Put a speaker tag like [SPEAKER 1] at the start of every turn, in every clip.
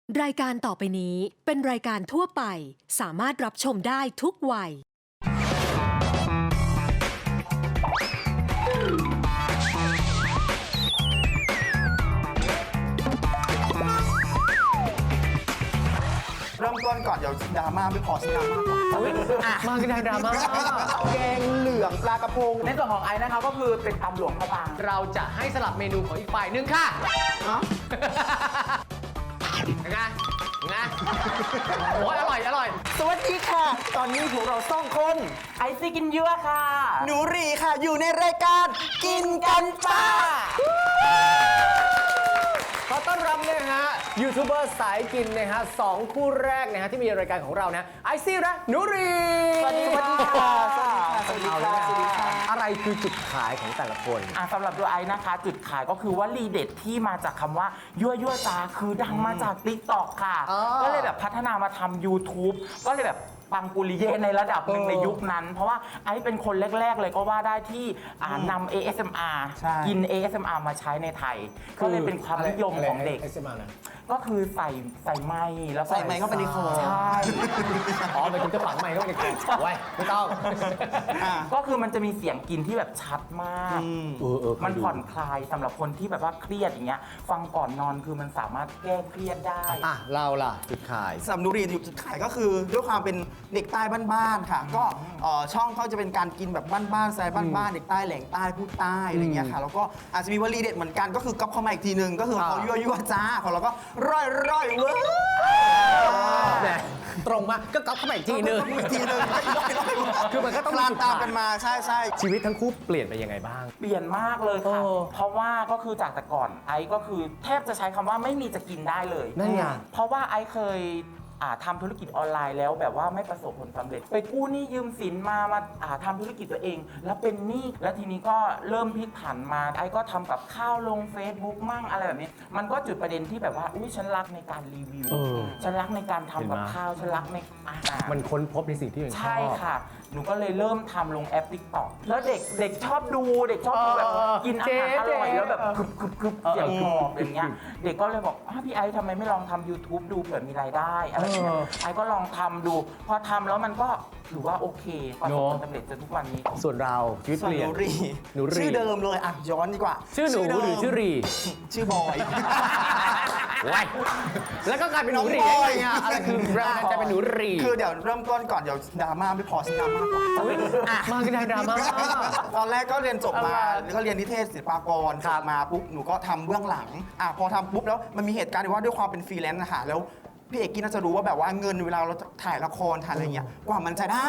[SPEAKER 1] รายการต่อไปนี้เป็นรายการทั่วไปสามารถรับชมได้ทุกวัย
[SPEAKER 2] เริ่มต้นก่อนเดี๋ยวดราม่าไม่พอสิดราม่าก่อน
[SPEAKER 3] มากันทางดราม่า
[SPEAKER 2] แกงเหลืองปลากระพงในส่วนของไอ้นะคะก็คือเป็นตำหลวงพระบาง
[SPEAKER 3] เราจะให้สลับเมนูของอีกฝ่ายหนึ่งค่ะ
[SPEAKER 2] ฮะ
[SPEAKER 3] ไงโอ้ยอร่อย
[SPEAKER 2] สวัสดีค่ะ ตอนนี้พวกเราสองคนไอซี่กินเยอะค่ะ หนูรีค่ะอยู่ในรายการกินกันจ้า
[SPEAKER 3] ขอต้อนรับนะฮะยูทูบเบอร์สายกินนะฮะสองคู่แรกนะฮะที่มีรายการของเรานะไอซี่และหนูรี
[SPEAKER 2] สวัสดีค่ะสวัสดี
[SPEAKER 3] เอา
[SPEAKER 2] ค่ะ
[SPEAKER 3] ละ
[SPEAKER 2] สวัสดีค่ะ
[SPEAKER 3] อะไรคือจุดขายของแต่ละคน
[SPEAKER 4] สำหรับตัวไอ้นะคะ จุดขายก็คือว่ารีเด็ดที่มาจากคำว่ายั่วจ้าคือดังมาจาก TikTok ค่ะ
[SPEAKER 3] อ๋อ
[SPEAKER 4] ก็เลยแบบพัฒนามาทำ YouTube ก็เลยแบบปังปุริเย่ในระดับหนึ่งในยุคนั้น เพราะว่าไอ้เป็นคนแรก ๆ เลยก็ว่าได้ที่นำ ASMR
[SPEAKER 2] ใช่
[SPEAKER 4] กิน ASMR มาใช้ในไทย ก็เลยเป็นความนิยมของเด็ก ก็คือใส่ไม้แล้วก็
[SPEAKER 2] ใส่ไมค์เข้าไปในคอ
[SPEAKER 4] ใช่
[SPEAKER 3] อ๋อหมายถึงจะฝังใหม่เข้าไปในคอไว้ไม่ต้อง
[SPEAKER 2] อ่ะ
[SPEAKER 4] ก็คือมันจะมีเสียงกินที่แบบชัดมาก มันผ่อนคลายสำหรับคนที่แบบว่าเครียดอย่างเงี้ย ฟังก่อนนอนคือมันสามารถแก้เครียดได้
[SPEAKER 3] อ่ะเราล่ะจุดขาย
[SPEAKER 2] สำหรับหนูรีจุดขายก็คือด้วยความเป็นเด็กใต้บ้านๆค่ะ ก็ช่องเขาจะเป็นการกินแบบบ้านๆสไตล์บ้านๆเด็กใต้แหล่งใต้พูดใต้อะไรเงี้ยค่ะแล้วก็อาจจะมีวลีเด็ดเหมือนกันก็คือก๊อปเข้ามาอีกทีนึงก็คือเขายั่วจ้าของเราก็ร่อยเว้ย
[SPEAKER 3] แหมตรงมาก็ก๊อปเข้ามาอีกทีนึง
[SPEAKER 2] อีกทีนึง
[SPEAKER 3] คือมันก็ต้อง
[SPEAKER 2] คลานตามกันมาใช่
[SPEAKER 3] ชีวิตทั้งคู่เปลี่ยนไปยังไงบ้าง
[SPEAKER 4] เปลี่ยนมากเลยค่ะ
[SPEAKER 3] โอ้
[SPEAKER 4] เพราะว่าก็คือจากแต่ก่อนไอซ์ก็คือแทบจะใช้คำว่าไม่มีจะกินได้เลย
[SPEAKER 3] นั่นไง
[SPEAKER 4] เพราะว่าไอซ์เคยทำธุรกิจออนไลน์แล้วแบบว่าไม่ประสบผลสำเร็จ ไปกู้หนี้ยืมสินมาทำธุรกิจตัวเอง แล้วเป็นหนี้แล้วทีนี้ก็เริ่มพลิกผันมาไอ้ก็ทำกับข้าวลง Facebook มั่งอะไรแบบนี้ มันก็จุดประเด็นที่แบบว่าอุ้ยฉันรักในการรีวิว
[SPEAKER 3] เออ
[SPEAKER 4] ฉันรักในการทำกับ
[SPEAKER 3] เห็นไหม
[SPEAKER 4] ข้าวฉันรักในอาหาร
[SPEAKER 3] มันค้นพบในสิ่งที่ตัวเองชอบ
[SPEAKER 4] ใช่ค่ะ หนูก็เลยเริ่มทำลงแอป TikTok แล้วเด็กชอบดูเด็กชอบดูแบบกินอาหารอร่อยแล้วแบบคึบเสียงกรอบอย่างเงี้ย เด็กก็เลยบอกพี่ไอซ์ทำไมไม่ลองทำ YouTube ดูเผื่อมีรายได้อะไรอย่างเงี้ยไอซ์ก็ลองทำดู พอทำแล้วมันก็ถือว่าโอเคประสบความสำเร็จจนทุกวันนี้
[SPEAKER 3] ส่วนเราชีวิต
[SPEAKER 2] ส่ว
[SPEAKER 3] เป
[SPEAKER 2] น
[SPEAKER 3] ลี่
[SPEAKER 2] ห
[SPEAKER 3] ยน
[SPEAKER 2] นูรี
[SPEAKER 3] หนูรี
[SPEAKER 2] ชื่อเดิมเลยอ่ะย้อนดีกว่า
[SPEAKER 3] ชื่อหนู
[SPEAKER 2] เดิม
[SPEAKER 3] หรือชื่อรี
[SPEAKER 2] ชื่อบอย
[SPEAKER 3] ไว้แล้วก็กลายเป็นหนูรี
[SPEAKER 2] น้องบ
[SPEAKER 3] ได้
[SPEAKER 2] อย
[SPEAKER 3] ไงอะไรคือแรงจะเป็นหนูรี
[SPEAKER 2] คือเดี๋ยวเริ่มต้นก่อนเดี๋ยวดราม่าไม่พอสิดราม่าก่อน
[SPEAKER 3] มากันทางดราม่า
[SPEAKER 2] ตอนแรกก็เรียนจบมาก็เรียนนิเทศศิลปากรจบมาปุ๊บหนูก็ทำเบื้องหลังพอทำปุ๊บแล้วมันมีเหตุการณ์ที่ว่าด้วยความเป็นฟรีแลนซ์นะคะแล้วพี่เอกกี้น่าจะรู้ว่าแบบว่าเงินเวลาเราถ่ายละครถ่ายอะไรเงี้ยกว่ามันจะได้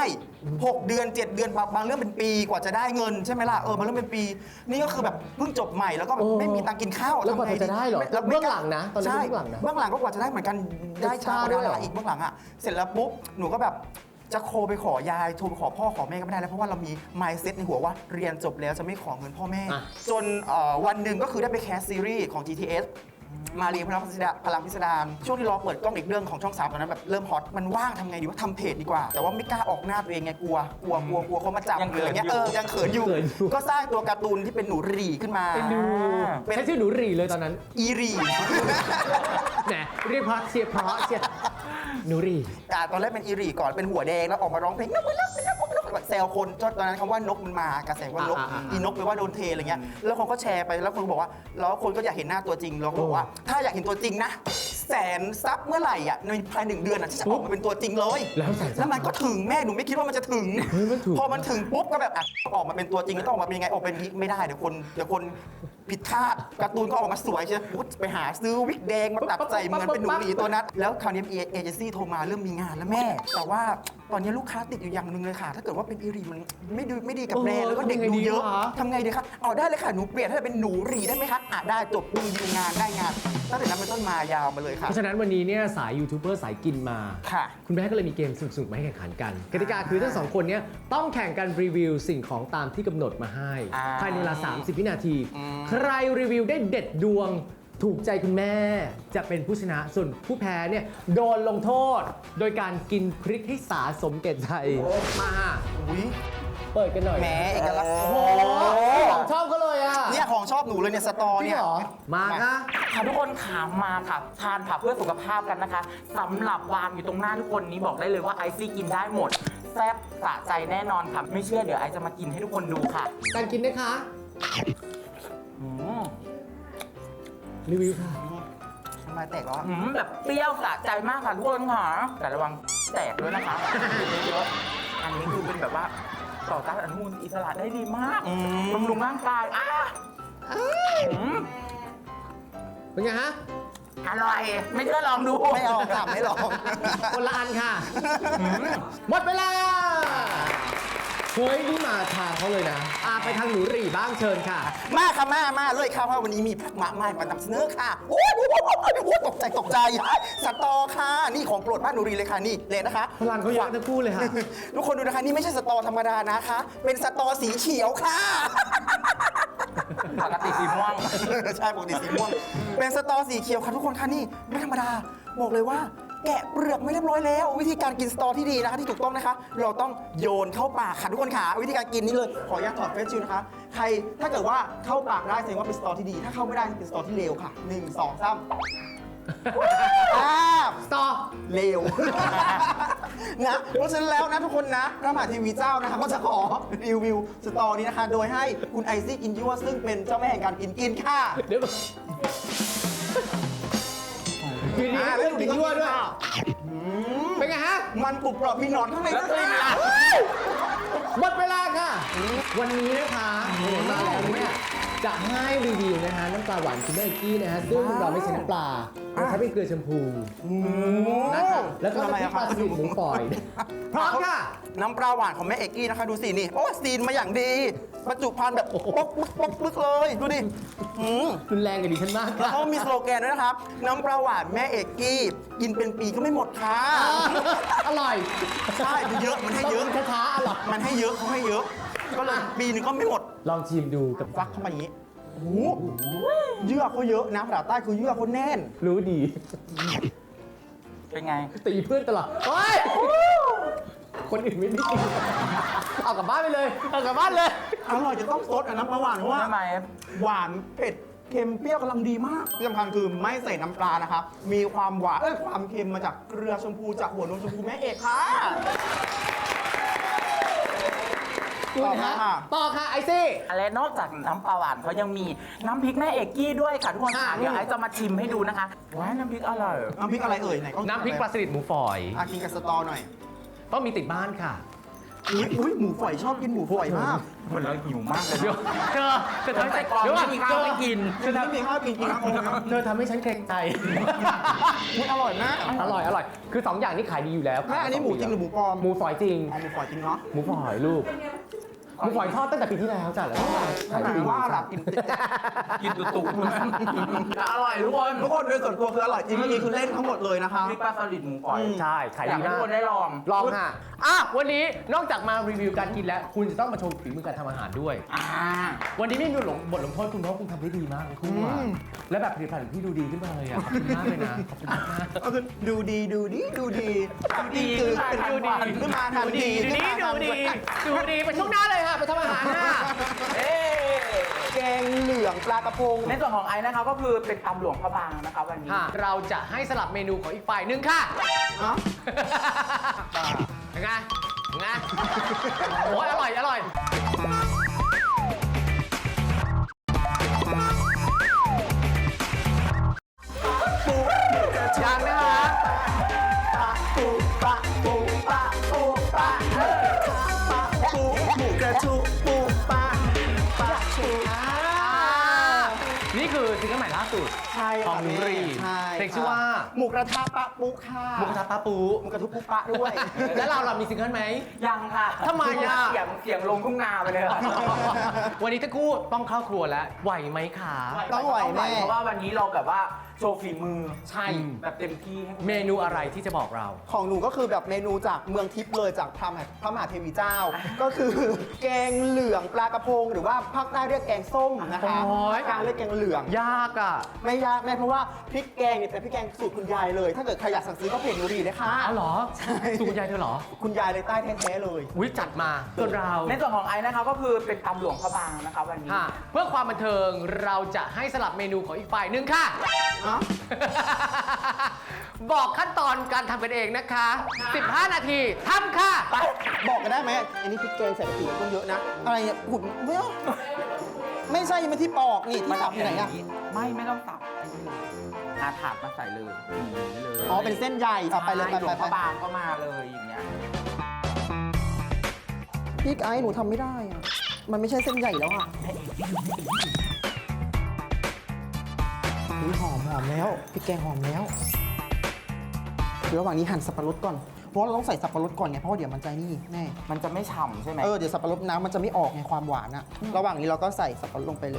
[SPEAKER 2] 6 เดือน 7 เดือนบางเรื่องเป็นปีกว่าจะได้เงินใช่ไหมล่ะบางเรื่องเป็นปี นี่ก็คือแบบเพิ่งจบใหม่แล้วก็แบบไม่มีตังค์กินข้าว
[SPEAKER 3] แล้วกว่า
[SPEAKER 2] ทำไง
[SPEAKER 3] จะได้เหรอ
[SPEAKER 2] แล้ว
[SPEAKER 3] เบื้องหลังนะตอนนี้
[SPEAKER 2] ใช่
[SPEAKER 3] เบื้องหลังนะ
[SPEAKER 2] เบื้องหลังก็กว่าจะได้เหมือนกันได้ช้ากว่า
[SPEAKER 3] ด้วย
[SPEAKER 2] ดา
[SPEAKER 3] เหรอ
[SPEAKER 2] ราอีกเบื้องหลังเสร็จแล้วปุ๊บหนูก็แบบจะโทรไปขอยายโทรไปขอพ่อขอแม่ก็ไม่ได้แล้วเพราะว่าเรามี mindset ในหัวว่าเรียนจบแล้วจะไม่ขอเงินพ่อแม่ จนวันหนึ่งก็คือได้ไปแคสซีรีส์ของ GTS มาเรียนพลังพิสดารช่วงที่รอเปิดกล้องอีกเรื่องของช่อง3ตอนนั้นแบบเริ่มฮอตมันว่างทำไงดีว่าทำเพจดีกว่า แต่ว่าไม่กล้าออกหน้าตัวเองไงกลัวเขามาจับ
[SPEAKER 4] ยัง
[SPEAKER 2] ห
[SPEAKER 4] เขิ
[SPEAKER 2] รือน อะไรเงี้ย
[SPEAKER 4] อยู่
[SPEAKER 2] ยังเขินอยู่ ก็สร้างตัวการ์ตูนที่เป็นหนูรีขึ้นมาเป็น
[SPEAKER 3] ใช้ชื่อหนูรีเลยตอนนั้น
[SPEAKER 2] อีรี
[SPEAKER 3] แหมเรียกเพราะเชียร์เพราะเชียร์หนูรี
[SPEAKER 2] ตอนแรกเป็นอีรีก่อนเป็นหัวแดงแล้วออกมาร้องเพลงนกมันรักเป็นนกแซวคนตอนนั้นคำว่านกมันมากระแสว่านกอีนกแปลว่าโดนเทอะไรเงี้ยแล้วคนก็แชร์ไปแล้วคนก็บอกว่าแล้วคนก็อยากเห็นหน้าตัวจริงแล้วก็บอกว่าถ้าอยากเห็นตัวจริงนะ100,000 ซับเมื่อไหร่ในภาย1 เดือนที่จะออกมาเป็นตัวจริงเลย แล้วมันก็ถึงแม่หนูไม่คิดว่ามันจะถึง พอมันถึงปุ๊บก็แบบออกมาเป็นตัวจริงแล้วต้องออกมาเป็นยังไงออกเป็นไม่ได้เดี๋ยวคนผิดคาดการ์ตูนก็ออกมาสวยใช่ไหมไปหาซื้อวิกแดงมาตัดใส่เหมือนเป็นหนูหลีตัวนั้นแล้วคราวนี้เอเจนซี่โทรมาเริ่มมีงานแล้วแม่ แต่ว่าตอนนี้ลูกค้าติดอยู่อย่างหนึ่งเลยค่ะ ถ้าเกิดว่าเป็นอีรีมันไม่ดีกับแบรนด์แล้วก็เด็กดูเยอะทำไงดีคะได้เลยค่ะหนูเปลี่ยนให้เป็นหนูหลีได้ไหมคะได้จบมีดีลงานได้งานตั้งแต่นั้นเป็นต้นมายาวมาเลยค่ะ
[SPEAKER 3] เพราะฉะนั้นวันนี้เนี่ยสายยูทูบเบอร์สายกินมา
[SPEAKER 2] ค่ะ
[SPEAKER 3] คุณแม่ก็เลยมีเกมสนุกๆมาให้แข่งขันกันกติกาคือทั้งสองคนเนี้ต้องแข่งกันรีวิวสิ่งของตามที่กำหนดมาให้ภายในเวลา 30 วินาที ใครรีวิวได้เด็ดดวงถูกใจคุณแม่จะเป็นผู้ชนะส่วนผู้แพ้เนี่ยโดนลงโทษ โดยการกินพริกให้สาสมแก่ใจมา
[SPEAKER 2] อุ้ย
[SPEAKER 3] เปิดกันหน่อย
[SPEAKER 2] แหมเอกลักษณ์
[SPEAKER 3] โอ้โหของชอบเขาเลยอ่ะ
[SPEAKER 2] เนี่ยของชอบหนูเลยเนี่ยสตอ
[SPEAKER 3] จริง
[SPEAKER 2] เนี่ย
[SPEAKER 3] เหรอมาค่ะ
[SPEAKER 4] ค่ะทุกคนขามาค่ะทานผักเพื่อสุขภาพกันนะคะสำหรับวางอยู่ตรงหน้าทุกคนนี้บอกได้เลยว่าไอซี่กินได้หมดแซ่บสะใจแน่นอนค่ะไม่เชื่อเดี๋ยวไอจะมากินให้ทุกคนดูค่ะ
[SPEAKER 3] การกินนะคะ
[SPEAKER 4] อืม
[SPEAKER 3] รีวิวค่ะ
[SPEAKER 2] ทำไมแตกแล้วอะ
[SPEAKER 4] แบบเปรี้ยวสะใจมากค่ะทุกคนค่ะแต่ระวังแตกด้วยนะคะเยอะๆอันนี้คือเป็นแบบว่าต่อต้านอนุมูลอิสระได้ดีมากบำรุงร่างกายอืม
[SPEAKER 3] เป็นไงฮะ
[SPEAKER 4] อร่อยไม่เชื่อลองดู
[SPEAKER 2] ไม่เอาค่ะไม่ลอง
[SPEAKER 3] คนละอันค่ะ หมดเวลา เฮ้ย นี่มาทางเขาเลยนะไปทางหนูหรี่บ้างเชิญค่ะ
[SPEAKER 2] มาค่ะมาเลยค่ะเพราะวันนี้มีผักมะไม้มานำเสนอค่ะโอ้ยตกใจสตอค่ะนี่ของโปรดบ้านหนูรีเลยค่ะนี่เลยนะคะ
[SPEAKER 3] พลังเขาเยอะทั้งคู่เลยค่ะ
[SPEAKER 2] ทุกคนดูนะคะนี่ไม่ใช่สตอธรรมดานะคะ เป็นสตอสีเขียวค่ะ
[SPEAKER 4] ปกติสีม่วง
[SPEAKER 2] ใช่ปกติสีม่วง เป็นสตอสีเขียวค่ะทุกคนค่ะนี่ไม่ธรรมดาบอกเลยว่า แกะเปลือกไม่เรียบร้อยแล้ว วิธีการกินสตอที่ดีนะคะที่ถูกต้องนะคะ เราต้องโยนเข้าปากค่ะทุกคนค่ะวิธีการกินนี้เลยขออนุญาตถอดเฟซชิลนะคะใครถ้าเกิดว่าเข้าปากได้แสดงว่าเป็นสตอที่ดี ถ้าเข้าไม่ได้เป็นสตอที่เลวค่ะ1 2 3
[SPEAKER 3] สตอ
[SPEAKER 2] เลว นะเพราะฉะนั้นแล้วนะทุกคนนะพระมหาเทวีเจ้านะคะก็จะขอรีวิวสตอนี้นะคะ โดยให้คุณไอซี่กินยั่วซึ่งเป็นเจ้าแม่แห่งการกินค่ะ
[SPEAKER 3] เดี๋ยวกินดีแล้วกินยั่วด้วย เป็นไงฮะ
[SPEAKER 2] มันกรุบกรอบมีหนอนข้างในด้วยค่ะ
[SPEAKER 3] หมดเวลาค่ะ วันนี้นะคะมาแล้วเนี่ยจะให้รีวิวนะคะน้ำปลาหวานคุณแม่เอกกี้นะฮะซึ่งเราไม่ใช้น้ำปลาเราใช้เป็นเกลือแชมพูนะคะแล้วก็น้ำพริกปลาสลิดหมูฝอยพร้อมค่ะ
[SPEAKER 2] น้ำปลาหวานของแม่เอกกี้นะคะดูสินี่โอ้ซีนมาอย่างดีบรรจุภัณฑ์แบบป๊อกปึ๊กเลยดูดิ
[SPEAKER 3] รุนแรงกับดิฉันมาก
[SPEAKER 2] แล้ว
[SPEAKER 3] ค่ะ
[SPEAKER 2] เขามีสโลแกนด้วยนะครับ น้ำปลาหวานแม่เอกกี้กินเป็นปีก็ไม่หมดค่ะ
[SPEAKER 3] อร่อย
[SPEAKER 2] ใช่มันเยอะมันให้เยอะ
[SPEAKER 3] ต้องกินช้าๆอร่อย
[SPEAKER 2] มันให้เยอะเขาให้เยอะ ก็เลยปีนึงก็ไม่หมด
[SPEAKER 3] ลองชิมดูกับ
[SPEAKER 2] ฟักเข้ามาอย่างนี้โอ้โหเยื่อเขาเยอะนะภาษาใต้คือเยื่อเขาแน่น
[SPEAKER 3] รู้ดี
[SPEAKER 4] เป็นไง
[SPEAKER 3] ตีเพื่อนตลอดเฮ้ยคนอื่นไม่ได้กินเอากลับบ้านไปเลย เอากลับบ้านเลย
[SPEAKER 2] อร่อยจะต้องซดน้ำปลาหวานเพราะว่า
[SPEAKER 4] ทำไม
[SPEAKER 2] หวานเผ็ดเค็มเปรี้ยวกำลังดีมากที่สำคัญคือไม่ใส่น้ำปลานะครับ มีความหวานความเค็มมาจากเกลือชมพูจากหัวนมชมพูแม่เอกค่ะ
[SPEAKER 3] คุณฮะต่อค่ะไอซี่
[SPEAKER 4] อะไรนอกจากน้ำปลาหวานเขายังมีน้ำพริกแม่เอกกี้ด้วยค่ะทุกคนค่ะเดี๋ยวไอจะมาชิมให้ดูนะคะว้ายน้ำพริกอร่อย
[SPEAKER 2] น้ำพริกอะไรเอ่ยไหนก็
[SPEAKER 3] น้ำพริกปลาสลิดหมูฝอย
[SPEAKER 2] กินกับสตอหน่อย
[SPEAKER 3] ต้องมีติดบ้านค่ะ
[SPEAKER 2] อุ้ยหมูฝอยชอบกินหมูฝอยมาก
[SPEAKER 4] คนเราหิวมากเลย
[SPEAKER 3] เดี๋ยวเธอ
[SPEAKER 4] ทำแต่ก่อนไม่มีข้าวไม่กิน
[SPEAKER 2] คือถ้ามีข้าวกินจริงนะโอ้ย
[SPEAKER 3] เธอทำให้ฉันเกรงใจ
[SPEAKER 2] มันอร่อยมาก
[SPEAKER 3] อร่อย อร่อย คือ 2 อย่างนี้ขายดีอยู่แล้ว
[SPEAKER 2] แม่อันนี้หมูจริงหรือหมูปลอม
[SPEAKER 3] หมูฝอยจริง
[SPEAKER 2] อ๋อหมูฝอยจริงเนาะ
[SPEAKER 3] หมูฝอยลูก หมูฝอยทอดตั้งแต่ปีที่แล้วจ้ะแล้วก็ขายดี
[SPEAKER 2] ว่าหลับกิน
[SPEAKER 4] กินตุ่ๆอร่อยทุกคน
[SPEAKER 2] ทุกคนโดยส่วนตัวคืออร่อยจริงเมื่อกี้คือเล่นทั้งหมดเลยนะคะ
[SPEAKER 4] พริกปลาสลิดหมูฝอย
[SPEAKER 3] ใช่ ขาย
[SPEAKER 4] อยาก
[SPEAKER 3] ดี
[SPEAKER 4] ให้
[SPEAKER 3] มา
[SPEAKER 4] ทุก
[SPEAKER 3] ก
[SPEAKER 4] คนได้ลอง
[SPEAKER 3] ลองค่ะวันนี้นอกจากมารีวิวการกินแล้ว คุณจะต้องมาชมฝีมือการทำอาหารด้วย วันนี้ไม่มีบทลงโทษคุณเพราะคุณทำได้ดีมากเลยคุณว่าและแบบผลิตภัณฑ์ของพี่ดูดีขึ้นมาเลยอ่ะ ขอบคุณมากเลยนะ ขอบคุณมาก
[SPEAKER 2] ก็คือดูดีคือเป็นดูดีขึ้นมาทันที
[SPEAKER 3] ดูดีไปช่วงหน้าเลยค่ะ ไปทำอาหารค่ะ
[SPEAKER 2] แกงเหลืองปลากระพง
[SPEAKER 4] ในส่วนของไอซ์นะคะก็คือเป็นตำหลวงพระบางนะคะวันนี้
[SPEAKER 3] เราจะให้สลับเมนูของอีกฝ่ายหนึ่งค่ะ
[SPEAKER 2] ฮะ
[SPEAKER 3] ยังไงโอ้ยอร่อย ยังนะคะ
[SPEAKER 2] หมูกระชุปูปลา
[SPEAKER 3] นี่คือซิงเกิลใหม่ล่าสุด
[SPEAKER 2] ใช่
[SPEAKER 3] ของนุรี
[SPEAKER 2] ใช่
[SPEAKER 3] เพลงชื่อว่า
[SPEAKER 2] หมูกระทะปะปุค่ะ
[SPEAKER 3] หมูกระทะปลาปู
[SPEAKER 2] หมูกระทุปุปะด้วย
[SPEAKER 3] แล้วเรามีซิงเกิลไหม
[SPEAKER 4] ยังค่ะ
[SPEAKER 3] ทำไมอ่ะ
[SPEAKER 4] เสียงลงทุ่งนาไปเลยค่ะ
[SPEAKER 3] วันนี้ทั้งคู่ต้องเข้าครัวแล้ว ไหวไหมคะ
[SPEAKER 2] ต้องไหวแน่
[SPEAKER 4] เพราะว่าวันนี้เราแบบว่าโชว์ฝีมือ
[SPEAKER 2] ใช่
[SPEAKER 4] แบบเต็มที่ให้คุณ
[SPEAKER 3] เมนูอะไรที่จะบอกเรา
[SPEAKER 2] ของหนูก็คือแบบเมนูจากเมืองทิพย์เลยจากพระมหาเทวีเจ้า ก็คือแกงเหลืองปลากระพง หรือว่าภาคใต้เรียกแกงส้มนะคะ
[SPEAKER 3] โอ้ย
[SPEAKER 2] กลางเรียกแกงเหลือง
[SPEAKER 3] ยากอ่ะ
[SPEAKER 2] ไม่ยากแม่เพราะว่าพริกแกงเนี่ยเป็นพริกแกงสูตรคุณยายเลย ถ้าเกิดใครอยากสั่งซื้อก็เพจหนูดีนะคะ
[SPEAKER 3] อ๋อเหรอ
[SPEAKER 2] ใช่
[SPEAKER 3] สูตรคุณยายเธอเหรอ
[SPEAKER 2] คุณยายเลยใต้แท้ๆเลย
[SPEAKER 3] อุ้ยจัดมาส่วนเรา
[SPEAKER 4] ในส่วนของไอซ์นะคะก็คือเป็นตำหลวงพระบางนะคะวันนี้
[SPEAKER 3] ค่ะเพื่อความบันเทิงเราจะให้สลับเมนูของอีกฝ่ายหนึ่งค่ะ
[SPEAKER 2] อ๋อ
[SPEAKER 3] บอกขั้นตอนการทำกันเองนะคะ 15 นาทีทำค่ะ
[SPEAKER 2] ไปบอกกันได้ไหมอันนี้พริกแกงใส่กะปิต้องเยอะนะ อะไรเนี่ยหุ่นไม่ใช่มันที่ปอกนี่ที่สับอยู่ไหนอะ
[SPEAKER 4] ไม่ต้องสับไอ้นี่เลยอาถาดมาใส่เลยอย่างนี้เลย
[SPEAKER 2] อ๋อเป็นเส้นใหญ่เอาไปเลย
[SPEAKER 4] ใช่หลวงพ
[SPEAKER 2] ไป
[SPEAKER 4] ระบางก็มาเลยอย่างเงี้ย
[SPEAKER 2] พริกไอ้หนูทำไม่ได้อะมันไม่ใช่เส้นใหญ่แล้วอะอุ๊ยหอมแล้วพริกแกงหอมแล้วเดี๋ยวระหว่างนี้หั่นสับปะรดก่อน เพราะเราต้องใส่สับปะรดก่อนไงเพราะว่าเดี๋ยวมันจะนี่แน่
[SPEAKER 4] มันจะไม่ฉ่ำใช่ไหม
[SPEAKER 2] เดี๋ยวสับปะรดน้ำมันจะไม่ออกไงความหวานอะระหว่างนี้เราก็ใส่สับปะรดลงไปเลย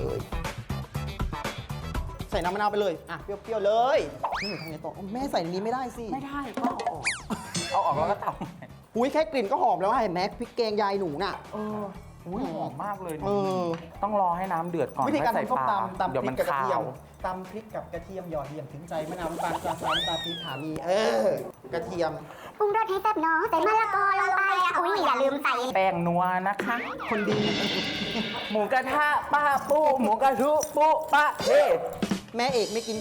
[SPEAKER 2] ใส่น้ำมะนาวไปเลยอ่ะเปรี้ยวๆเลยนี่หนูทำไงต่อแม่ใส่ในนี้ไม่ได้สิ
[SPEAKER 4] ไม่ได้ก็เอาออกแล้วก็ตำ
[SPEAKER 2] อุ้ยแค่กลิ่นก็หอมแล้วอะเห็นไหมพริกแกงยายหนูน่ะ
[SPEAKER 4] อุ้ยหอมมากเลย
[SPEAKER 2] เออ
[SPEAKER 4] ต้องรอให้น้ำเดือดก่อน
[SPEAKER 2] วิธีการ
[SPEAKER 4] ค่อย
[SPEAKER 2] ทำส้ม
[SPEAKER 4] ใส่ปลา
[SPEAKER 2] ตำ
[SPEAKER 4] เดี๋ยว
[SPEAKER 2] พริ
[SPEAKER 4] มั
[SPEAKER 2] ก
[SPEAKER 4] น
[SPEAKER 2] กับกระ
[SPEAKER 4] คา
[SPEAKER 2] เทียม
[SPEAKER 4] ว
[SPEAKER 2] ตำพริกกับกระเทียมหยอดเหลี่ยมถึงใจมะนาวน้ำตาลปลาซ้ำตาพริกขามีกระเทียม
[SPEAKER 5] ปรุงรสให้แซ่บเนาะใส่มะละกอลงไปอุ้ยอย่าลืมใส่
[SPEAKER 4] แป้งนัวนะคะ
[SPEAKER 2] คนดี
[SPEAKER 4] หมูกระทะป้าปูหมูกระทุปูป้าเทศ
[SPEAKER 2] แม่เอกไม่กิน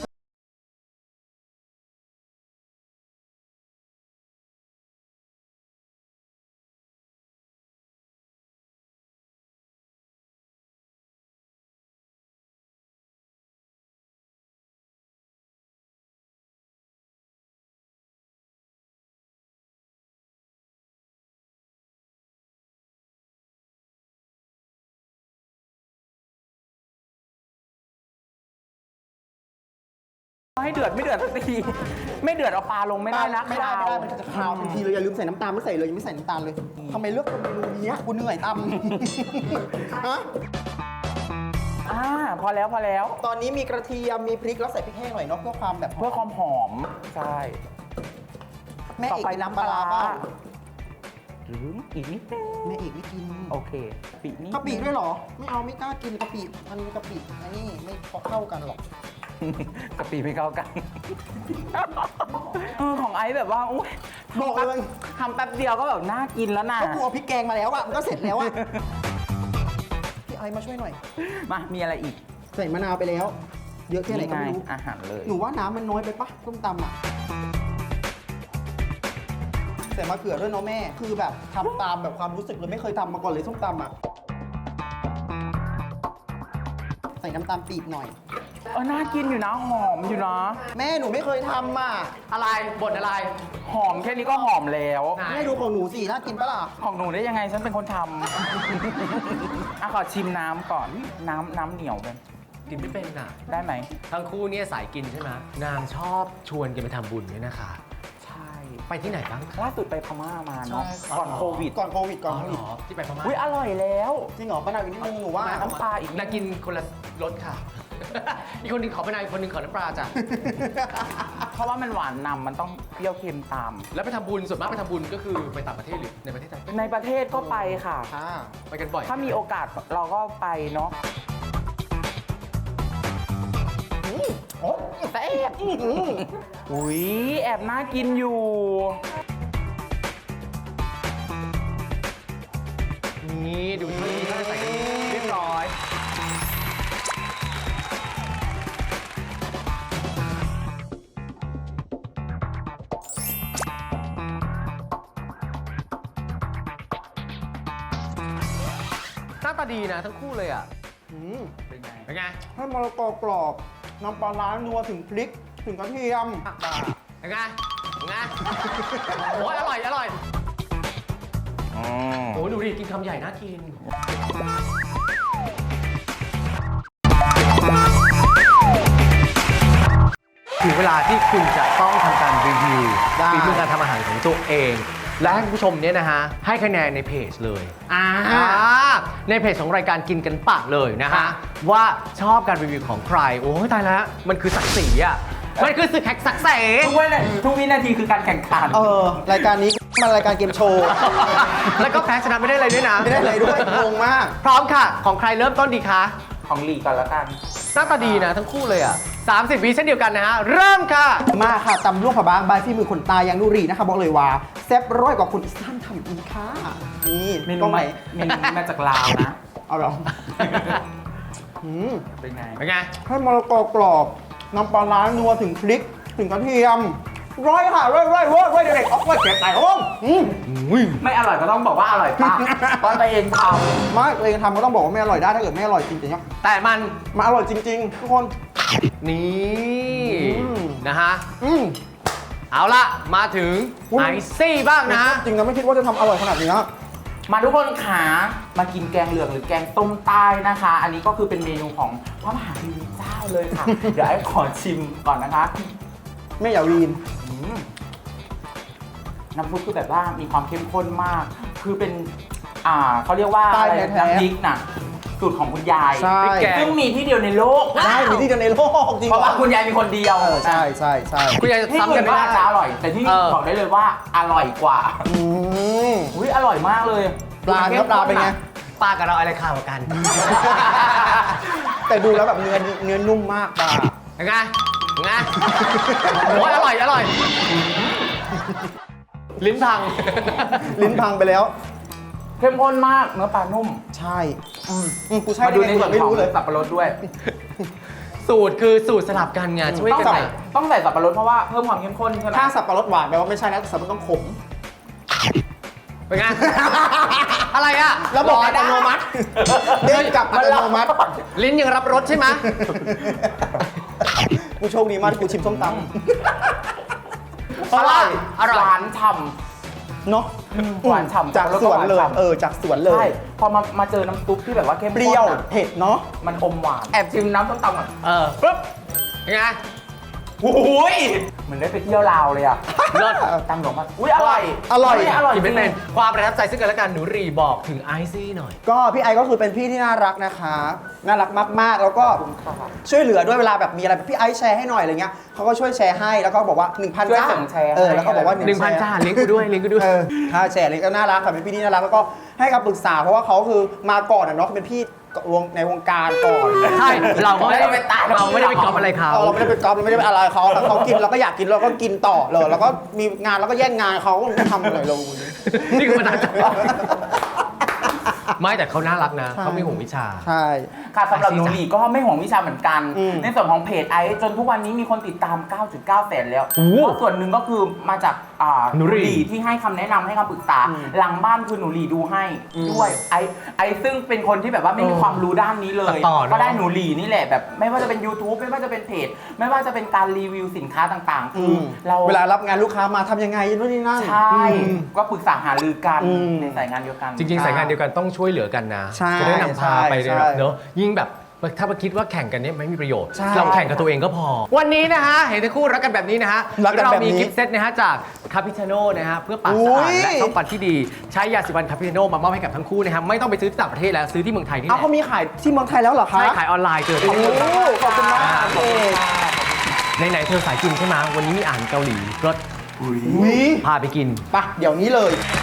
[SPEAKER 4] ให้เดือดไม่เดือดสักที ไม่เดือดเอาปลาลงไม่ได้นะ
[SPEAKER 2] ไม่ได้
[SPEAKER 4] คาว
[SPEAKER 2] มันจะคาวทันทีเลยอย่าลืมใส่น้ำตาลไม่ใส่เลยยังไม่ใส่น้ำตาลเลยทำไมเลือกเมนูนี้กูเหนื่อยตำ ฮะ
[SPEAKER 4] พอแล้ว
[SPEAKER 2] ตอนนี้มีกระเทียมมีพริกแล้วใส่พริกแห้งหน่อยเนาะเพื่อความแบบ
[SPEAKER 4] เพื่อความหอม ใช่
[SPEAKER 2] แม่
[SPEAKER 4] ต่อ
[SPEAKER 2] เอก
[SPEAKER 4] ไป
[SPEAKER 2] กิน
[SPEAKER 4] น้ำปลาร้า
[SPEAKER 2] เปล่
[SPEAKER 4] หรืออีกนิดนึง
[SPEAKER 2] แม่เอกไม่กิน
[SPEAKER 4] โอเคปีนี้
[SPEAKER 2] กะปิด้วยเหรอ ไม่เอาไม่กล้ากินกะปิมันกะปิอันนี้ไม่เข้ากันหรอก
[SPEAKER 4] กะปิไม่เข้ากันของไอซ์แบบว่าอุ๊ย
[SPEAKER 2] บอกเลย
[SPEAKER 4] ทำแป๊บเดียวก็แบบน่ากินแล้วนะ
[SPEAKER 2] ก็กูเอาพริกแกงมาแล้วอะมันก็เสร็จแล้วอะพี่ไอมาช่วยหน่อย
[SPEAKER 4] มามีอะไรอีก
[SPEAKER 2] ใส่มะนาวไปแล้ว เยอะแค่ไหนก็ไม่รู้
[SPEAKER 4] อาหารเลย
[SPEAKER 2] หนูว่าน้ำมันน้อยไปปะส้มตำอะใส่มะเขือด้วยเนาะแม่ คือแบบทำตามแบบความรู้สึกเลยไม่เคยทำมาก่อนเลยส้มตำอะใส่น้ำตาลปี๊บหน่อย
[SPEAKER 4] น่ากินอยู่นะหอมอยู่นะ
[SPEAKER 2] แม่หนูไม่เคยทำอ่ะ
[SPEAKER 3] อะไรบทอะไร
[SPEAKER 4] หอมแค่นี้ก็หอมแล้ว
[SPEAKER 3] ไหน
[SPEAKER 2] แม่ดูของหนูสิน่ากินปะล่ะ
[SPEAKER 4] ของหนูได้ยังไงฉันเป็นคนทำ ขอชิมน้ำก่อน น้ำเหนียวเป็น
[SPEAKER 3] กินไม่เป็นน่ะ
[SPEAKER 4] ได้ไหม
[SPEAKER 3] ทั้งคู่เนี่ยสายกินใช่ไหมนางชอบชวนกันไปทำบุญด้วยนะคะ
[SPEAKER 4] ใช่
[SPEAKER 3] ไปที่ไหนบ้างคะ
[SPEAKER 4] ล่าสุดไปพม่ามาเนาะ
[SPEAKER 2] ใช่
[SPEAKER 4] ก่อนโควิด
[SPEAKER 2] ก่อนโควิดก่อน
[SPEAKER 3] อ๋อ
[SPEAKER 2] โค
[SPEAKER 3] เหร
[SPEAKER 2] วิด
[SPEAKER 3] อที่ไปพม่า
[SPEAKER 4] อุ้ยอร่อยแล้ว
[SPEAKER 2] จริงเหรอป้านาอีกนิดนึงหนูว่า
[SPEAKER 4] มาน้ำปลาอีก
[SPEAKER 3] นางกินคนละรสค่ะ อีกคนหนึงขอมะนาวอีกคนหนึงขอน้ำปลาจ้ะ
[SPEAKER 4] เพราะว่ามันหวานนำมันต้องเปรี้ยวเค็มตาม
[SPEAKER 3] แล้วไปทำบุญส่วนมากไปทำบุญก็คือไปต่างประเทศหรือในประเทศไทย
[SPEAKER 4] ในประเทศก็ไปค่ะ
[SPEAKER 2] ค่ะ
[SPEAKER 3] ไปกันบ่อย
[SPEAKER 4] ถ้ามีโอกาสเราก็ไปเนาะ
[SPEAKER 2] โอ้
[SPEAKER 4] แต่แอบอุ้ยแอบน่ากินอยู่
[SPEAKER 3] นี่ดูที่เขาจะใส่กันเรียบร้อยหน้าตาดีนะทั้งคู่เลยอ่ะ
[SPEAKER 4] เป็นไง
[SPEAKER 3] เป็นไง
[SPEAKER 2] ให้มะละกอกรอบน้ำปลาร้านัวถึงพริกถึงกระเทียม
[SPEAKER 3] เป็นไงเป็นไงโอ้ยอร่อยอร่อยโอ้ดูดิกินคำใหญ่น่ากิน ถึงเวลาที่คุณจะต้องทำการรีวิว
[SPEAKER 2] ได้
[SPEAKER 3] ฝีมือการทำอาหารของตัวเอง และให้คุณผู้ชมเนี่ยนะฮะให้คะแนนในเพจเลยในเพจของรายการกินกันปากเลยนะฮะว่าชอบการรีวิวของใครโอ้ยตายแล้วมันคือศักดิ์ศรีอ่ะมันคือศึกแฮกสักเส
[SPEAKER 4] ทุกวินาทีคือการแข่งขัน
[SPEAKER 2] รายการนี้มันรายการเกมโชว์
[SPEAKER 3] แล้วก็แพ้ชนะไม่ได้อะไรด้วยนะ
[SPEAKER 2] ไม่ได้เลยด้วยงงมาก
[SPEAKER 3] พร้อมค่ะ ของใครเริ่มต้นดีคะ
[SPEAKER 4] ของลีก่อนแล้วกัน
[SPEAKER 3] หน้าตาดีนะทั้งคู่เลยอ่ะ 30 วิเช่นเดียวกันนะฮะ เริ่มค่ะ
[SPEAKER 2] มาค่ะตำลวกผักบางบายฝีมือคนตายยังนุรีนะคะบอกเลยว่าแซ่บร้อยกว่าคนอีสานทำอีกค่ะนี่
[SPEAKER 4] เมนู
[SPEAKER 2] กล้องไหน
[SPEAKER 4] มาจากลาวนะ
[SPEAKER 2] เอาเหรออืม
[SPEAKER 4] เป็นไง
[SPEAKER 3] เป็นไง
[SPEAKER 2] ให้มะละกอกรอบน้ำปลาร้านัวถึงพริกถึงกระเทียมร้อยค่ะร้อยเด็กๆเอาไว้เก็บใส่ห้อง
[SPEAKER 4] ไม่อร่อยก็ต้องบอกว่าอร่อยปะเพราะตัวเองท
[SPEAKER 2] ไม่ตัวเองทำก็ต้องบอกว่าไม่อร่อยได้ถ้าเกิดไม่อร่อยจริงๆเนี่ย
[SPEAKER 3] แต่มัน
[SPEAKER 2] มาอร่อยจริง ๆ ทุกคน
[SPEAKER 3] นี่
[SPEAKER 2] อืม
[SPEAKER 3] นะฮะ
[SPEAKER 2] อืม
[SPEAKER 3] เอาละมาถึง
[SPEAKER 2] อุ๊ย
[SPEAKER 3] ไอซี่บ้างนะ
[SPEAKER 2] จริงนะไม่คิดว่าจะทำอร่อยขนาดนี้นะ
[SPEAKER 4] ำมาทุกคนขามากินแกงเหลืองหรือแกงต้มใต้นะคะ อันนี้ก็คือเป็นเมนูของพระมหาเทวีเจ้าเลยค่ะ เดี๋ยวไอ้ขอชิมก่อนนะคะ
[SPEAKER 2] ไม่อย่าวีน
[SPEAKER 4] อืมน้ำซุปคือแบบว่ามีความเข้มข้นมาก คือเป็นเขาเรียกว่า
[SPEAKER 2] ใต้
[SPEAKER 4] อะไร
[SPEAKER 2] แท้ๆ
[SPEAKER 4] น้ำพริกน่ะสูตรของคุณยาย
[SPEAKER 2] ใช่
[SPEAKER 3] พริกแกง
[SPEAKER 4] ซึ่งมีที่เดียวในโลก
[SPEAKER 2] ได้มีที่เดียวในโลกจริง
[SPEAKER 4] เพราะว่าคุณยายมีคนเดียว
[SPEAKER 2] ใช่ใช่ใช่
[SPEAKER 3] คุณยายจะ
[SPEAKER 4] ที่
[SPEAKER 3] ซ้ำ
[SPEAKER 4] อื่
[SPEAKER 3] กัน
[SPEAKER 4] น
[SPEAKER 3] ไม่
[SPEAKER 4] ก็
[SPEAKER 3] ได้
[SPEAKER 4] อาจจะอร่อย แต่ที่นี่ บอกได้เลยว่าอร่อยกว่า
[SPEAKER 2] อืม
[SPEAKER 4] อุ้ยอร่อยมากเลย
[SPEAKER 2] ปลาเนื้อปลาเป็นไง
[SPEAKER 3] ปลากับเราอะไรข่าวกัน
[SPEAKER 2] แต่ดูแล้วแบบเนื้อนุ่มมากปลา
[SPEAKER 3] เป็นไงเป็นไงโอ้ยอร่อย อร่อย ลิ้นพัง
[SPEAKER 2] ลิ้นพังไปแล้ว
[SPEAKER 4] เข้มข้นมากเนื้อปลานุ่ม
[SPEAKER 2] ใช่กูใช่
[SPEAKER 4] มาดูใน
[SPEAKER 2] ได้ไง
[SPEAKER 4] ส่วน
[SPEAKER 2] ไม่
[SPEAKER 4] ของ
[SPEAKER 2] รู้เลย
[SPEAKER 4] สับปะรดด้วย
[SPEAKER 3] สูตรคือสูตรสลับกันไงช่วย
[SPEAKER 4] ต้อง
[SPEAKER 3] กัน
[SPEAKER 4] ใส่
[SPEAKER 3] อะ
[SPEAKER 4] ต้องใส่สับปะรดเพราะว่าเพิ่มความเข้มข้นใช่ไหม
[SPEAKER 2] ถ้าสับปะรดหวานแปลว่าไม่ใช่นะสับปะรดต้องขม
[SPEAKER 3] เป็นไง อะไรอะ
[SPEAKER 2] ระบบอัตโนมัติเด้งกลับอัตโนมัติ
[SPEAKER 3] ลิ้นยังรับรสใช่ไหม
[SPEAKER 2] กูโชคดีมากที่กูชิมส้มต
[SPEAKER 3] เพราะว่าอร่อย
[SPEAKER 4] หวานฉ่
[SPEAKER 2] ำเนาะ
[SPEAKER 4] หวานฉ่ำ
[SPEAKER 2] จากสวนเลย
[SPEAKER 4] แล้วก็หวานฉ่ำ
[SPEAKER 2] จากสวนเล
[SPEAKER 4] ำใช่
[SPEAKER 2] ย
[SPEAKER 4] พอมาเจอน้ำซุปที่แบบว่าเข้ม
[SPEAKER 2] เป
[SPEAKER 4] ข้น
[SPEAKER 2] รี้ยว
[SPEAKER 4] อะ
[SPEAKER 2] เผ็ดเนาะ
[SPEAKER 4] มันอมหวาน แอบชิมน้ำส้มตำก่อน
[SPEAKER 3] ปุ๊บเป็นไง
[SPEAKER 4] โอ้ยเหมือนได้ไปเที่ยวลาวเลยอ่ะ
[SPEAKER 3] เลิศ
[SPEAKER 4] ตำหลงมาอุ้ยอร่อย
[SPEAKER 2] อร่อย
[SPEAKER 4] อร่อยจ
[SPEAKER 3] กิน
[SPEAKER 4] ริ
[SPEAKER 3] ไม่
[SPEAKER 4] ง
[SPEAKER 3] เป็นความประทับใจซึ่งกันและกันหนูรีบอกถึงไอซี่หน่อย
[SPEAKER 2] ก็พี่ไอก็คือเป็นพี่ที่น่ารักนะคะ น่ารักมากๆ แล้วก็ช่วยเหลือด้วยเวลาแบบมีอะไรแบบพี่ไอแชร์ให้หน่อยอะไรเงี้ยเขาก็ช่วยแชร์ให้แล้วก็บอกว่า 1,000
[SPEAKER 4] ช่วย
[SPEAKER 2] จ้า
[SPEAKER 4] ส่งแชร์
[SPEAKER 2] แล้วก็บอกว่า
[SPEAKER 3] 1,000 จ้าเลี้ยงกูด้วยเลี้ยงกูด้วย
[SPEAKER 2] ค่าแชร์เลยก็น่ารักค่ะเป็นพี่ที่น่ารักแล้วก็ให้คำปรึกษาเพราะว่าเขาคือมาก่อนอะเนาะเป็นพี่ในวงการก่อน
[SPEAKER 3] ใช่ เราก็ไม่ได้
[SPEAKER 4] ไม่ได้ไปตาม
[SPEAKER 3] เราไม่ได้ไปก๊อปอะไรเขา
[SPEAKER 2] เราไม่ได้เป็นก๊อปเราไม่ได้เป็นอะไรเขาเขากินเราก็อยากกินเราก็กินต่อเลยแล้วก็มีงานเราก็แย่งงานเขาไม่ทำอะไรเรา
[SPEAKER 3] นี่คือประทับใจไม่แต่เขาน่ารักนะ
[SPEAKER 2] ใช่
[SPEAKER 3] เขาไม่ห่วงวิชา
[SPEAKER 2] ใช่
[SPEAKER 4] ค่ะสำหรับหนูหลีก็ไม่ห่วงวิชาเหมือนกัน
[SPEAKER 2] อืม
[SPEAKER 4] ในส่วนของเพจไอซ์จนทุกวันนี้มีคนติดตาม 9.9 แสนแล้ว
[SPEAKER 3] โอ้โห
[SPEAKER 4] เพราะส่วนหนึ่งก็คือมาจาก
[SPEAKER 3] หนูหลี
[SPEAKER 4] ที่ให้คำแนะนำให้คำปรึกษา หลังบ้านคือหนูหลีดูให้ด้วยไอซ์ซึ่งเป็นคนที่แบบว่าไม่มีความรู้ด้านนี้เลย
[SPEAKER 3] ต่อเนอะ
[SPEAKER 4] ก็ได้หนูหลีนี่แหละแบบไม่ว่าจะเป็น YouTube ไม่ว่าจะเป็นเพจ ไม่ว่าจะเป็นการรีวิวสินค้าต่างๆ คือเรา
[SPEAKER 2] เวลารับงานลูกค้ามาทำยังไงนู่นนี่นั่น
[SPEAKER 4] ใช่ก็ปรึกษาหารือกัน
[SPEAKER 2] อืม
[SPEAKER 4] ในสายงานเดียวกัน
[SPEAKER 3] จริง ๆ สายงานเดียวกันต้องช่วยเหลือกันนะ
[SPEAKER 2] ใช่
[SPEAKER 3] จะได้นำพาไป
[SPEAKER 2] ใช่
[SPEAKER 3] แบบเนอะยิ่งแบบถ้ามาคิดว่าแข่งกันเนี่ยไม่มีประโยชน์
[SPEAKER 2] ใช่
[SPEAKER 3] เราแข่งกับตัวเองก็พอ วันนี้นะฮะ เห็นทั้งคู่รักกันแบบนี้นะฮะ
[SPEAKER 2] รักกัน
[SPEAKER 3] เรา
[SPEAKER 2] แบบนี้
[SPEAKER 3] มีกิฟต์เซตนะฮะจากคาปิชโน่นะฮะเพื่อปากสะอาด
[SPEAKER 2] อุ๊ย
[SPEAKER 3] และช่องฟันที่ดี ใช้ยาสีฟันคาปิชโน่มามอบให้กับทั้งคู่นะฮะไม่ต้องไปซื้อที่ต่างประเทศแล้วซื้อที่เมืองไทยนี่แห
[SPEAKER 2] เอา
[SPEAKER 3] ละ
[SPEAKER 2] เขามีขายที่เมืองไทยแล้วเหรอคะ
[SPEAKER 3] ใช่ขายออนไลน์เจอ
[SPEAKER 2] โอ้โหขอบคุณมาก
[SPEAKER 3] ขอบคุณ
[SPEAKER 2] เอก
[SPEAKER 3] ไหนๆเธอสายกินใช่ไหมวันนี้มีอาหารเกาหลีรส
[SPEAKER 2] วิ
[SPEAKER 3] พาไปกิน
[SPEAKER 2] ปะเดี๋ยวนี้เลย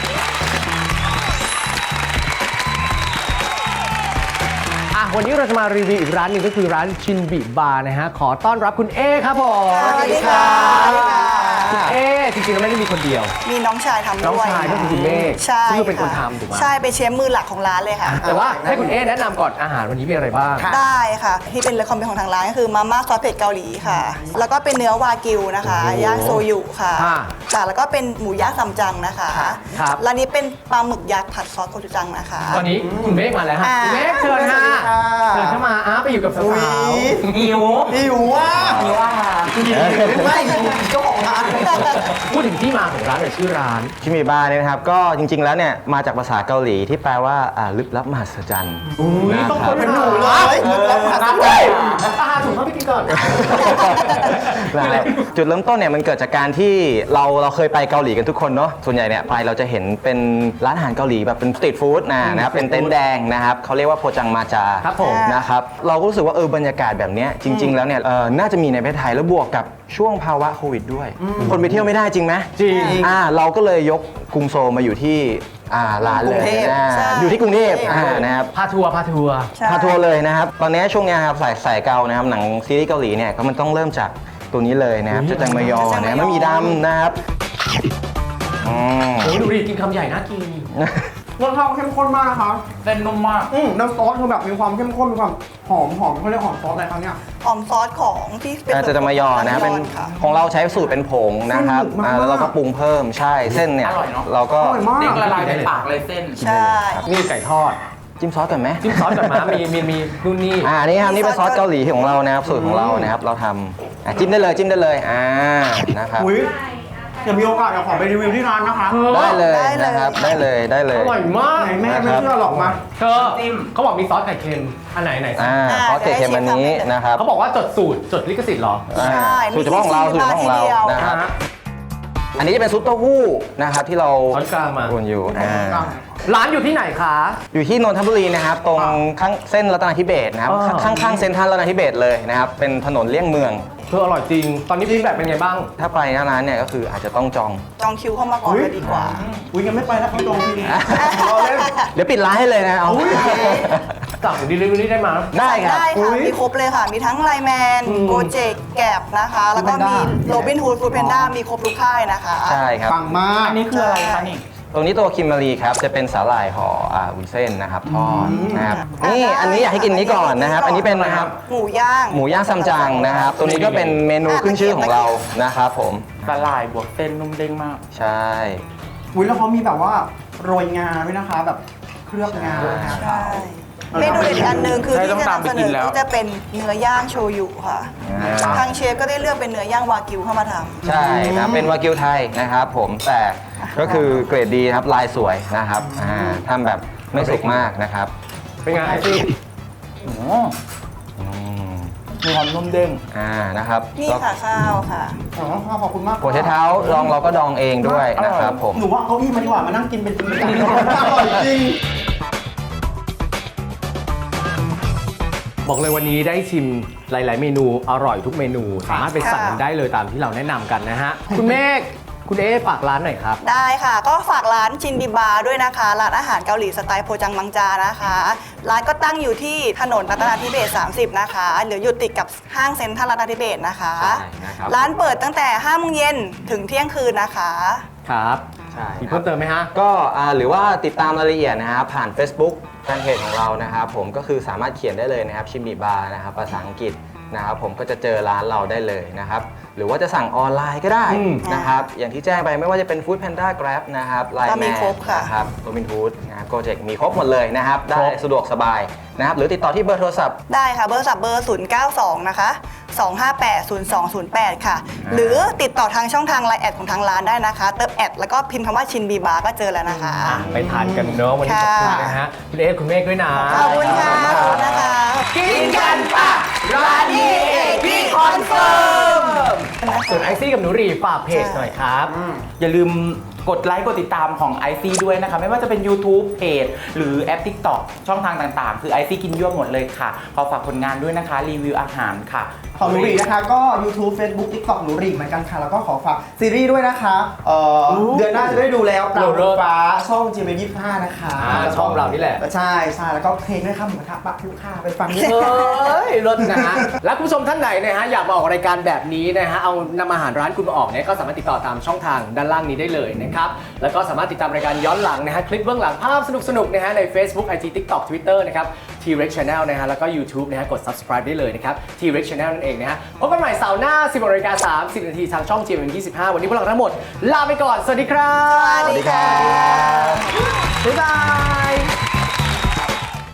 [SPEAKER 3] วันนี้เราจะมารีวิวอีกร้านหนึ่งก็คือร้านชินบิบาร์นะฮะ ขอต้อนรับคุณเอครับผม
[SPEAKER 2] สวัสดีค่ะ
[SPEAKER 3] คุณเอจริงๆเราไม่ได้มีคนเดียว
[SPEAKER 6] มีน้องชายทำด้วย
[SPEAKER 3] น้องชายก็คือคุณเมฆ
[SPEAKER 6] ใช่
[SPEAKER 3] ซึ่งเป็นคน
[SPEAKER 6] ค่ะ
[SPEAKER 3] ทำถูกไหม
[SPEAKER 6] ใช่เป็นเชฟมือหลักของร้านเลยค่ะ
[SPEAKER 3] แต่ว่าให้คุณเอแนะนำก่อนอาหารวันนี้มีอะไรบ้าง
[SPEAKER 6] ได้ค่ะ ที่เป็นเรคคอมเมนต์ของทางร้านก็คือมาม่าซอสเผ็ดเกาหลีค่ะ แล้วก็เป็นเนื้อวากิวนะคะ
[SPEAKER 3] โอ้โห
[SPEAKER 6] ย่างโซยุค่ะ
[SPEAKER 3] ค่ะ
[SPEAKER 6] ค่ะแล้วก็เป็นหมูย่างซัมจังนะคะ
[SPEAKER 3] ครับ
[SPEAKER 6] ร้านนี้เป็นปลาหมึกยักษ์ผัดซอสโกจูจังนะคะ
[SPEAKER 3] ตอนนี้คุณเมฆมาแล้วฮะ
[SPEAKER 6] อ่า
[SPEAKER 3] คุณเมฆเชิญฮะ
[SPEAKER 2] สวัสดีค่ะ
[SPEAKER 3] เชิญเข้ามาไปอยู่กับสาว
[SPEAKER 4] หิว
[SPEAKER 2] หิวอ่ะ
[SPEAKER 4] หิวอาหาร
[SPEAKER 2] ไม่หิวเจ้าของร้าน
[SPEAKER 3] ๆพูดถึงที่มาของร้านหน่อยชื่อร้าน
[SPEAKER 7] ชิมิบาเนี่ยนะครับก็จริงๆแล้วเนี่ยมาจากภาษาเกาหลีที่แปลว่าลึกลับมหัศจรรย์นะครับ
[SPEAKER 2] ต้องคนเป็นหนูเลยลึกลับมหัศจรรย์
[SPEAKER 3] อาหารถูกเข้าไปกินก่อน
[SPEAKER 7] นะครับจุดเริ่มต้นเนี่ยมันเกิดจากการที่เราเคยไปเกาหลีกันทุกคนเนาะส่วนใหญ่เนี่ยไปเราจะเห็นเป็นร้านอาหารเกาหลีแบบเป็นสตรีทฟู้ดนะครับเป็นเต็นท์แดงนะครับเขาเรียกว่าโพจังมาจา
[SPEAKER 3] ครับผม
[SPEAKER 7] นะครับเราก็รู้สึกว่าบรรยากาศแบบเนี้ยจริง ๆ แล้วเนี่ยน่าจะมีในประเทศไทยแล้วบวกกับช่วงภาวะโควิดด้วย คนไปเที่ยวไม่ได้จริงไหม
[SPEAKER 3] จริง
[SPEAKER 7] เราก็เลยยกกรุงโซลมาอยู่ที่ร้านเลย
[SPEAKER 6] กรุงเทพ
[SPEAKER 7] อ่า
[SPEAKER 6] ใช่
[SPEAKER 7] อยู่ที่กรุงเทพ
[SPEAKER 6] ใช่
[SPEAKER 7] นะครับ
[SPEAKER 3] พาทัวร์
[SPEAKER 6] ใช่
[SPEAKER 7] พาทัวร์เลยนะครับ ตอนนี้ช่วงนี้ครับสายเกานะครับหนังซีรีส์เกาหลีเนี่ยก็มันต้องเริ่มจากตัวนี้เลยนะครับจะจังมยอนะไม่มีดำนะครับอืม
[SPEAKER 3] โอ้ยดูดิกินคำใหญ่น่ากิน
[SPEAKER 8] รสชาติเข้มข้นมากนะคะ
[SPEAKER 4] เส้นนุ่มมาก
[SPEAKER 8] น้ำซอสคือแบบมีความเข้มข้นมีความหอมเขาเรียกหอมซอสอะไรครับเนี่ย
[SPEAKER 6] หอมซอสของที่เป็น
[SPEAKER 7] จะมายอนะครับเป็น
[SPEAKER 6] ค่ะ
[SPEAKER 7] ของเราใช้สูตรเป็นผงนะครับ
[SPEAKER 8] สนุกมาก
[SPEAKER 7] แล้วเราก็ปรุงเพิ่มใช่เส้นเนี่ย
[SPEAKER 4] อร่อยเนอะ
[SPEAKER 7] เราก็
[SPEAKER 8] อร่อยมาก
[SPEAKER 4] เด้งละลายในปากเลยเส้น
[SPEAKER 6] ใช่
[SPEAKER 3] นี่ไก่ทอด
[SPEAKER 7] จิ้มซอสก่อนไหม
[SPEAKER 3] จิ้มซอสก่อนมามีนู่นนี่
[SPEAKER 7] นี่ครับนี่เป็นซอสเกาหลีของเรานะครับสูตรของเรานะครับเราทำจิ้มได้เลยนะครับ
[SPEAKER 8] อุ้ยเดี๋ยวมีโอกาสเดี๋ยวขอไปรีวิวที่ร้านนะคะ
[SPEAKER 7] ได้เลย
[SPEAKER 6] ได้เลย
[SPEAKER 7] นะครับได้เลย
[SPEAKER 3] อร่อยมาก
[SPEAKER 8] ไหนแม่ไม่เชื่อหรอกมา
[SPEAKER 3] เธอเขาบอกมีซอสไข่เค็มอันไหนสิ
[SPEAKER 7] ซอสเกล็ดเค็มอันนี้นะครับ
[SPEAKER 3] เขาบอกว่าจดสูตรจดลิขสิทธิ์เหรอ
[SPEAKER 7] อ่า
[SPEAKER 6] ใช่
[SPEAKER 7] สูตรเฉพาะของเราสูตรเฉพาะของเรา
[SPEAKER 6] มีที่
[SPEAKER 7] นะครับอันนี้จะเป็นซุปเต้าหู้นะครับที่เรา
[SPEAKER 3] ช้อนกลางมา
[SPEAKER 7] วนอยู่
[SPEAKER 3] ร้านอยู่ที่ไหนคะ
[SPEAKER 7] อยู่ที่นนทบุรีนะครับตรงข้างเส้นรัตนาธิเบศรนะครับ
[SPEAKER 3] อ่า
[SPEAKER 7] ข้างเซ็นทรัลรัตนาธิเบศรเลยนะครับเป็นถนนเลี่ยงเมือง
[SPEAKER 3] เธออร่อยจริง ตอนนี้ฟีดแบ็กเป็นไงบ้าง
[SPEAKER 7] ถ้าไปหน้าร้านเนี่ยก็คืออาจจะต้องจอง
[SPEAKER 6] จองคิวเข้ามาก่อนจะดีกว่า
[SPEAKER 8] อุ้ยยังไม่ไปแล้วเขาตรงที่นี่รอเล่น
[SPEAKER 7] เดี๋ยวปิดร้านให้เลยนะเอา
[SPEAKER 3] สั่งดิลิเวอรี่ได้มา
[SPEAKER 7] ได้ครับ
[SPEAKER 6] ได้ค่ะ มีครบเลยค่ะ มีทั้งไลแมนโกเจกแกบนะคะ แล้วก็มีโรบินฮูดฟูดแพนด้ามีครบทุกค่ายนะคะ
[SPEAKER 7] ใช่ครับ
[SPEAKER 8] ปังมาก
[SPEAKER 4] อันนี้คืออะไรคะนี่
[SPEAKER 7] ตรงนี้ตัวคิมมารีครับจะเป็นสาหร่ายห่อวุ้นเส้นนะครับทอดนะครับนี่อันนี้อยากให้กินนี้ก่อนนะครับ อันนี้เป็นนะครับ
[SPEAKER 6] หมูย่าง
[SPEAKER 7] หมูย่างซัมจังนะครับ ตัวนี้ก็เป็นเมนูขึ้นชื่อของเรานะครับผม
[SPEAKER 4] สลายบวกเส้นนุ่มเด้งมาก
[SPEAKER 7] ใช่
[SPEAKER 8] อุ้ยแล้วเขามีแบบว่าโรยงาด้วยนะคะ แบบเคลือบงา
[SPEAKER 6] ใช่ เมนูเด็ดอีกอันหนึ่งคือ
[SPEAKER 4] ใช่
[SPEAKER 6] ที่
[SPEAKER 4] ต้อง
[SPEAKER 6] จะ
[SPEAKER 4] ตาม
[SPEAKER 6] นำ
[SPEAKER 4] ไป
[SPEAKER 6] เสน
[SPEAKER 4] กิน
[SPEAKER 6] อ
[SPEAKER 4] แล้ว
[SPEAKER 6] ก็จะเป็นเนื้อย่างโชยุค่ะ ทางเชฟก็ได้เลือกเป็นเนื้อย่างวากิวเข้ามาทำ
[SPEAKER 7] ใช่นะเป็นวากิวไทยนะครับผมแต่ก็คือเกรดดีครับลายสวยนะครับทำแบบไม่สุกมากนะครับ
[SPEAKER 3] เป็นไงไอซี่
[SPEAKER 4] โอ้มีความนุ่มเด้ง
[SPEAKER 7] นะครับ
[SPEAKER 6] นี่ค่ะข้าวค่ะ
[SPEAKER 8] อ๋อขอบคุณมาก
[SPEAKER 7] หัวไชเท้าลองเราก็ดองเองด้วยนะครับผม
[SPEAKER 8] หนูว่าเอาเก้าอี้มาดีกว่ามานั่งกินเป็นจริงเป็นจังอร่อยจริง
[SPEAKER 3] บอกเลยวันนี้ได้ชิมหลาย ๆ เมนูอร่อยทุกเมนู สามารถไปสั่งกันได้เลยตามที่เราแนะนำกันนะฮะ คุณเมฆคุณเอ๊ฝากร้านหน่อยครับ
[SPEAKER 6] ได้ค่ะ ก็ฝากร้านชินดิบาด้วยนะคะ ร้านอาหารเกาหลีสไตล์โพจังมังจานะคะ ร้านก็ตั้งอยู่ที่ถนนรัตนาธิเบศร30 นะคะหรืออยู่ติดกับห้างเซ็นทรัลรัตนาธิเบศรนะคะ
[SPEAKER 7] ใช่นะครับ
[SPEAKER 6] ร้านเปิดตั้งแต่5 โมงเย็นถึงเที่ยงคืนนะคะ
[SPEAKER 3] ครับ
[SPEAKER 7] ใช่
[SPEAKER 3] มีเพิ่มเติมไหมฮะ
[SPEAKER 7] ก็หรือว่าติดตามรายละเอียดนะครับผ่าน Facebook แฟนเพจของเรานะครับผมก็คือสามารถเขียนได้เลยนะครับชิมิบาร์นะครับภาษาอังกฤษนะครับผมก็จะเจอร้านเราได้เลยนะครับหรือว่าจะสั่งออนไลน์ก็ได้
[SPEAKER 3] อืม
[SPEAKER 7] นะครับอย่างที่แจ้งไปไม่ว่าจะเป็น Food Panda Grab นะครับไลน์
[SPEAKER 6] ก็มี
[SPEAKER 7] แมน
[SPEAKER 6] ครบค่ะ
[SPEAKER 7] นะครับโรบินฮูดนะครับโกเจกมีครบหมดเลยนะครับได้สะดวกสบายนะครับหรือติดต่อที่เบอร์โทรศัพท์
[SPEAKER 6] ได้ค่ะ เบอร์สับเบอร์ 092 นะคะ 258-0208 ค่ะ หรือติดต่อทางช่องทางไลน์แอดของทางร้านได้นะคะ เติมแอดแล้วก็พิมพ์คำว่าชินบีบาร์ก็เจอแล้วนะคะ
[SPEAKER 3] ไปทานกันเนาะวันนี้ขอบคุณนะฮะคุณเอ๊คุณเมฆด้วยนะ
[SPEAKER 6] ขอบคุณค่ะขอบคุณนะคะ
[SPEAKER 3] กินกันปะร้านนี้เอกที่คอนเฟิร์มส่วนไอซี่กับหนูรีฝากเพจหน่อยครับ
[SPEAKER 4] อย่าลืมกดไลค์กดติดตามของ IC ด้วยนะคะ ไม่ว่าจะเป็น YouTube เพจหรือแอป TikTok ช่องทางต่างๆ คือ IC กินยั่วหมดเลยค่ะ ขอฝากผลงานด้วยนะคะ รีวิวอาหารค่ะ
[SPEAKER 8] ของหนูรีนะคะก็ YouTube Facebook TikTok หนูรีเหมือนกันค่ะ แล้วก็ขอฝากซีรีส์ด้วยนะคะเดือนหน้าจะได้ดูแล้วปราบฟ้าช่อง GMM25 นะคะ
[SPEAKER 3] ช่องเรานี่แหละ
[SPEAKER 8] ใช่แล้วก็เพลงด้วยค่ะหมูกระทะปะลูกค้าไปฟังด้วย
[SPEAKER 3] เฮ้ยรถนะฮะ และคุณผู้ชมท่านไหนนะฮะอยากมาออกรายการแบบนี้นะฮะเอานำอาหารร้านคุณมาออกเนี่ยก็สามารถติดต่อตามช่องทางด้านล่างนี้ได้เลยนะครับแล้วก็สามารถติดตามรายการย้อนหลังนะฮะคลิปเบื้องหลังภาพสนุกๆนะฮะใน Facebook IG TikTok Twitter นะครับ T-Rex Channel นะฮะแล้วก็ YouTube นะฮะกด subscribe ได้เลยนะครับ T-Rex Channel นั่นเองนะฮะพบกันใหม่เสาร์หน้า 10:30 นาทีทางช่อง GMM25 วันนี้พวกเราทั้งหมดลาไปก่อนสวัสดีครับ
[SPEAKER 6] สวัสดีค่ะ
[SPEAKER 3] บ๊ายบาย